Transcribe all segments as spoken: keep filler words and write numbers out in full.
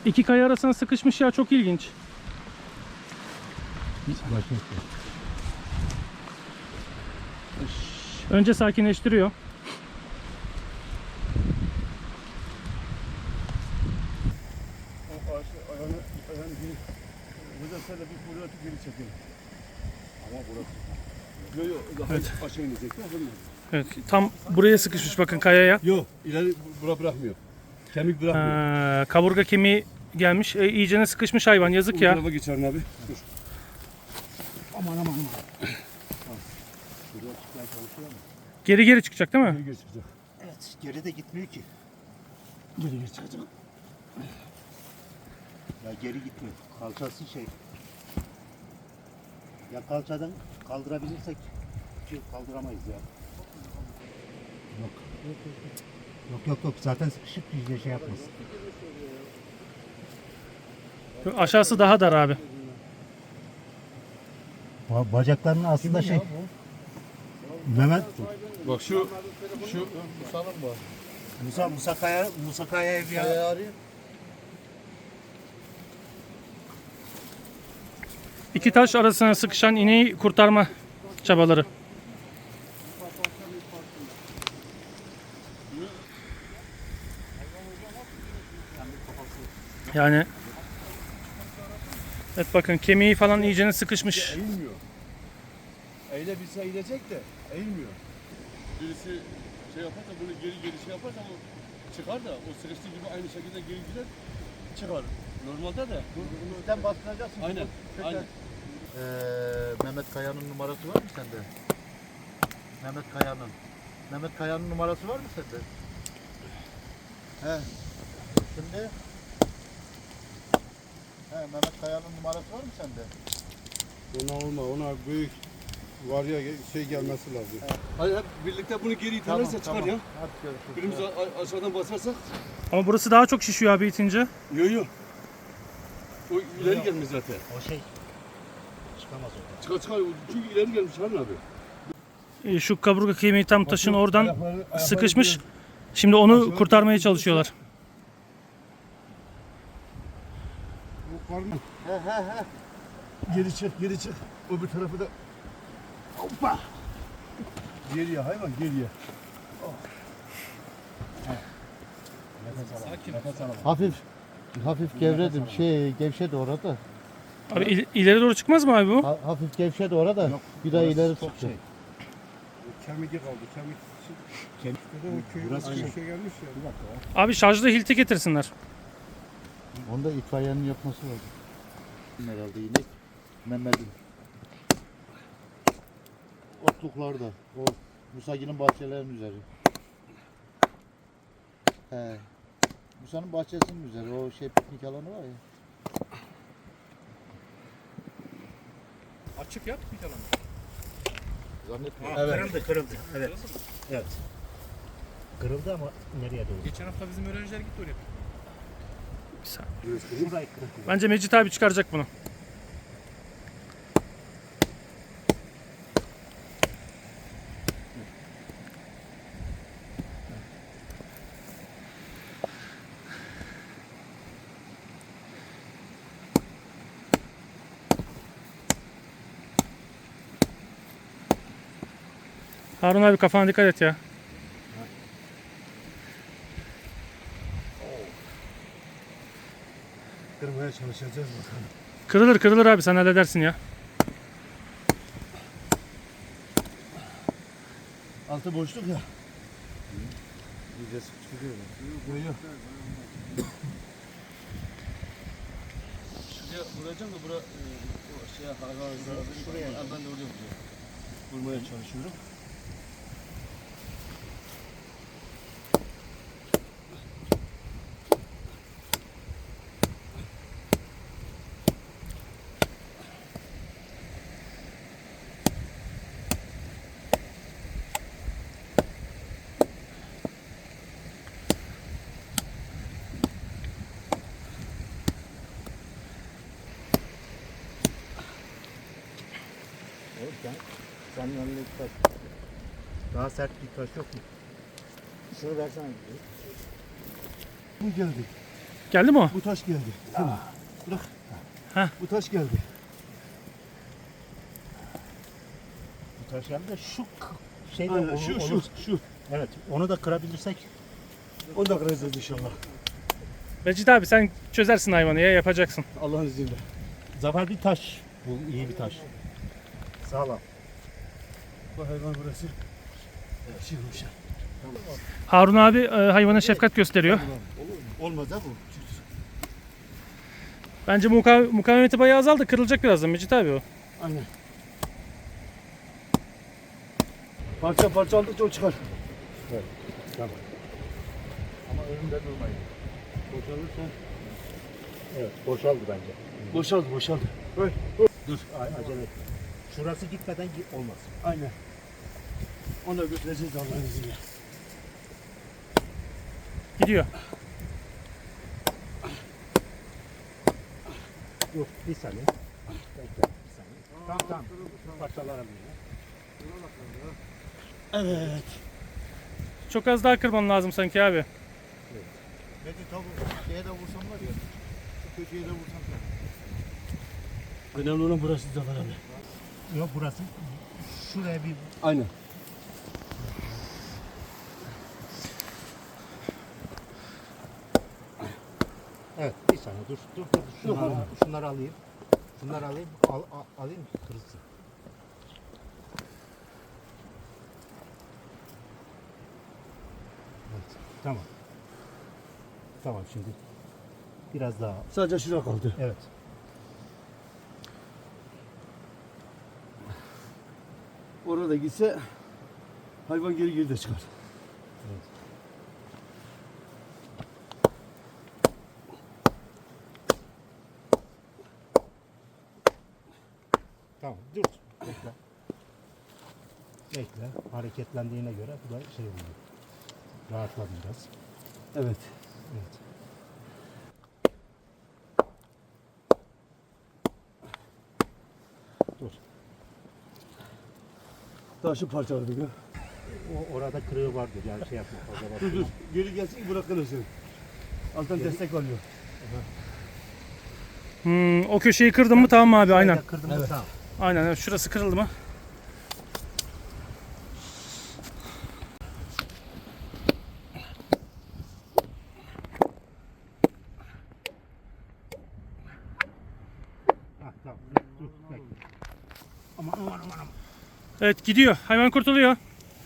İki kaya arasına sıkışmış ya, çok ilginç. Önce sakinleştiriyor. O ağaçı ayağını, ayağını geri, buradan sen de bir kuyruğu atıp geri çekelim. Ama burası. Yok yok, daha Evet. aşağı inecek. Evet, tam buraya sıkışmış bakın kayaya. Yok, ileri bura bırakmıyor. Kemik bırakmıyor. Ee, kaburga kemiği gelmiş. E, iyicene sıkışmış hayvan, yazık Bu ya. tarafa geçerim abi. Dur. Aman aman aman. Şuraya çıkmaya çalışıyor ama. Geri geri çıkacak değil mi? Geri geri çıkacak. Evet, geri de gitmiyor ki. Geri geri çıkacak. Ya geri gitmiyor. Kalçası şey. Ya kalçadan kaldırabilirsek ki kaldıramayız ya. Yok. Yok yok yok. Zaten sıkışıp bizde şey yapmaz. Aşağısı daha dar abi. Ba- Bacaklarının aslında şey. Mehmet Bak şu, şu Musa'nın bu. Musa Musa Kaya Musa Kaya'ya bir Kaya arıyor. İki taş arasına sıkışan ineği kurtarma çabaları. Yani evet, bakın kemiği falan iyicene sıkışmış. Eğilmiyor. Eğilebilse eğilecek de eğilmiyor. Birisi şey yaparsa bunu geri geri şey yaparsa o çıkar da o sıkıştığı gibi aynı şekilde geri gider çıkar. Normalde de. Bizden bastıracaksın. Aynen. Aynen. Ee, Mehmet Kaya'nın numarası var mı sende? Mehmet Kaya'nın. Mehmet Kaya'nın numarası var mı sende? He. Şimdi He, Mehmet Kaya'nın numarası var mı sende? Ona olma, ona büyük var ya şey gelmesi lazım. Evet. Hadi hep birlikte bunu geri iterlerse çıkar ya. Hadi görüşürüz. Birimiz a- aşağıdan basarsak. Ama burası daha çok şişiyor abi itince. Yok yok. O ileri gelmiş zaten. O şey çıkamaz oradan. Çıkar çıkar çünkü ileri gelmiş Harun abi. E, Şu kaburga kemiği tam taşın Bakın, oradan ayakları- ayakları sıkışmış. diyor. Şimdi onu Aşağı- kurtarmaya çalışıyorlar. Bu karnı. He he he. Geri çık, geri çık. Öbür tarafı da. Hoppa. Geriye hayvan, geriye. Hafif hafif gevredim. Şey gevşedi orada. Abi il- ileri doğru çıkmaz mı abi bu? Ha, hafif gevşedi orada. Bir daha ileri tutacak. Kemik kaldı, kemik. Kemik. O köy, Burası aynı şey. şey gelmiş ya. Abi şarjlı hilti getirsinler. Onda itfaiyenin yapması lazım. Herhalde inek. Mehmet'in. Otluklarda. O Musagi'nin bahçelerinin üzeri. He. Musa'nın bahçesinin üzeri. O şey piknik alanı var ya. Açık yap bir alanı. Zannetmiyorum. Evet. Kırıldı, kırıldı. Evet. Evet. Kırıldı ama nereye doğru? Geçen hafta bizim öğrenciler gitti oraya. Bir saniye. Şurayı kırıldı. Bence Mecit abi çıkaracak bunu. Harun abi kafana dikkat et ya. Kırmaya çalışacağız bakalım. Kırılır kırılır abi, sen halledersin ya. Altı boşluk ya. İyice sıkıştırıyor. Yok yok. Şuraya vuracağım da bura e, o şeye hayvan şuraya ben de oraya vuracağım. Vurmaya çalışıyorum. Sen yanına taş. Daha sert bir taş yok mu? Şunu versene. Bu geldi. Geldi mi o? Bu taş geldi. Tamam. Bırak. Heh. Bu taş geldi. Bu taş geldi de şu k- şey de Aynen, olur, şu şu olur. şu. Evet, onu da kırabilirsek. Onu da kıracağız inşallah. Mecit abi sen çözersin hayvanı ya, yapacaksın. Allah'ın izniyle. Zafer bir taş. Bu iyi bir taş. Sağlam. Bu hayvan burası. Şey olmuş. Harun abi e, hayvana şefkat gösteriyor. Olmaz ha bu. Bence muka- mukavemeti bayağı azaldı. Kırılacak birazdan Mecit abi o. Aynen. Parça parça aldıkça o çıkar. Tamam. Ama önümde durmayın. Boşalırsa. Evet, boşaldı bence. Boşaldı boşaldı. Öyle. Dur, a- acele etme. Şurası gitmeden gi- olmaz. Aynen. Onu da götüreceğiz Allah'ın izniyle. Gidiyor. Dur, bir saniye. Bekle, bir saniye. Tamam, tamam. Parçalarım yine. Evet. Çok az daha kırman lazım sanki abi. Peki tabi şeye de vursam var ya. Şu köşeye de vursam da. Önemli olan burası Zafer abi. Yok, burası. Şuraya bir Aynen. Evet, bir saniye dur, dur, dur. Şunları, şunları alayım. Şunları alayım, al, al- alayım ki kırılsın. Evet, tamam. Tamam şimdi. Biraz daha. Sadece şurada kaldı. Evet. Orada gitse hayvan geri geri de çıkar. Evet. Tamam, dur. Bekle. Bekle. Hareketlendiğine göre bu da şey oluyor. Rahatladı biraz. Evet. Evet. Dur. Taşı parçaladık ha. O orada kırığı vardır yani şey yapma fazla Dur dur. bakma. Geri gelsin ki bırakılırsın. Alttan destek alıyor. Hmm, o köşeyi kırdın mı tamam abi, aynen. Şurayı da kırdım mı Evet. tamam. Aynen evet, şurası kırıldı mı? Ha, tamam. Dur, dur bekle. Aman aman aman aman. Evet gidiyor. Hayvan kurtuluyor.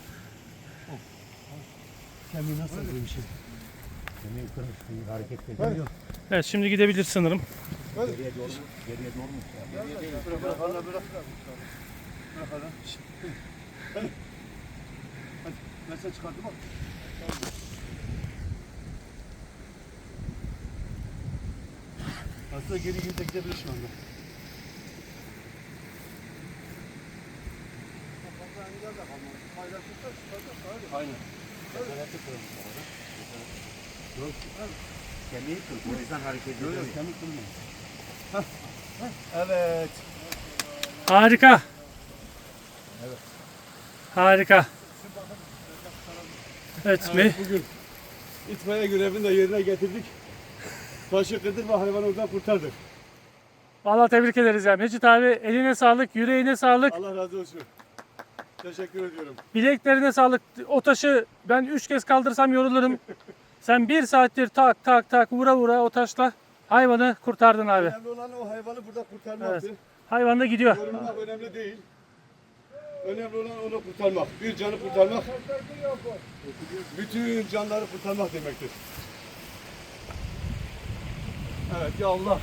Kemiği nasıl bir şey? Kemiği kırmış, kemiği hareket ediyor. Evet şimdi gidebilir sanırım. Geriye doğru mu? Geriye doğru mu? Bırak bırak hala bırak. Bırak hala. Hadi. Hadi. Ben sana çıkarttım bak. Aslında geri geri de gidebilir şu anda. Aynen. Kesereti kırmış orada. Yok. Kemiği kırmış. O yüzden hareket ediyor. Yok yok kemik kırmıyor. Hah. Hah. Evet. Harika. Harika. Evet, Evet, mi? bugün itfaiye görevini de yerine getirdik. Taşı kırdık ve hayvanı oradan kurtardık. Vallahi tebrik ederiz ya. Mecit abi eline sağlık, yüreğine sağlık, Allah razı olsun. Teşekkür ediyorum. bileklerine sağlık. O taşı ben üç kez kaldırsam yorulurum. Sen bir saattir tak tak tak vura vura o taşla hayvanı kurtardın abi. Önemli olan o hayvanı burada kurtarmaktı. Evet. Hayvan da gidiyor. Yorulmak önemli değil. Önemli olan onu kurtarmak. Bir canı kurtarmak. Bütün canları kurtarmak demektir. Evet ya Allah.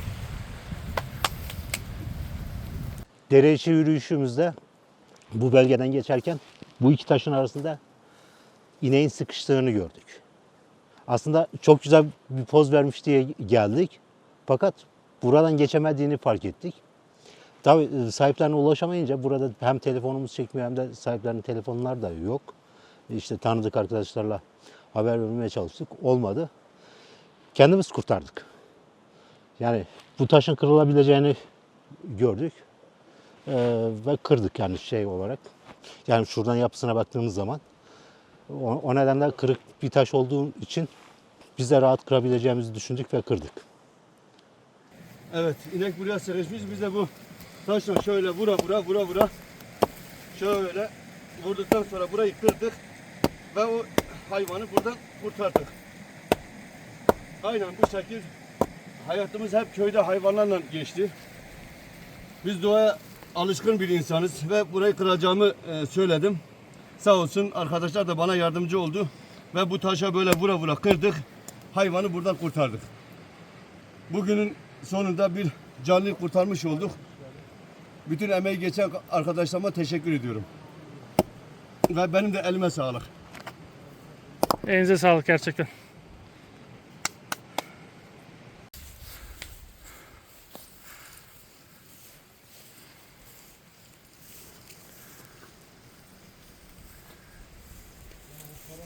Dere içi yürüyüşümüzde bu bölgeden geçerken bu iki taşın arasında ineğin sıkıştığını gördük. Aslında çok güzel bir poz vermiş diye geldik. Fakat buradan geçemediğini fark ettik. Tabii sahiplerine ulaşamayınca burada hem telefonumuz çekmiyor hem de sahiplerinin telefonları da yok. İşte tanıdık arkadaşlarla haber vermeye çalıştık. Olmadı. Kendimiz kurtardık. Yani bu taşın kırılabileceğini gördük. Ee, ve kırdık yani şey olarak. Yani şuradan yapısına baktığımız zaman o, o nedenle kırık bir taş olduğu için biz de rahat kırabileceğimizi düşündük ve kırdık. Evet, inek buraya sıkışmış. Biz de bu taşla şöyle vura vura vura vura şöyle vurduktan sonra burayı kırdık ve o hayvanı buradan kurtardık. Aynen bu şekil hayatımız hep köyde hayvanlarla geçti. Biz doğaya alışkın bir insanız ve burayı kıracağımı e, söyledim. Sağ olsun arkadaşlar da bana yardımcı oldu ve bu taşa böyle vura vura kırdık. Hayvanı buradan kurtardık. Bugünün sonunda bir canlıyı kurtarmış olduk. Bütün emeği geçen arkadaşlarıma teşekkür ediyorum. Ve benim de elime sağlık. Elinize sağlık gerçekten.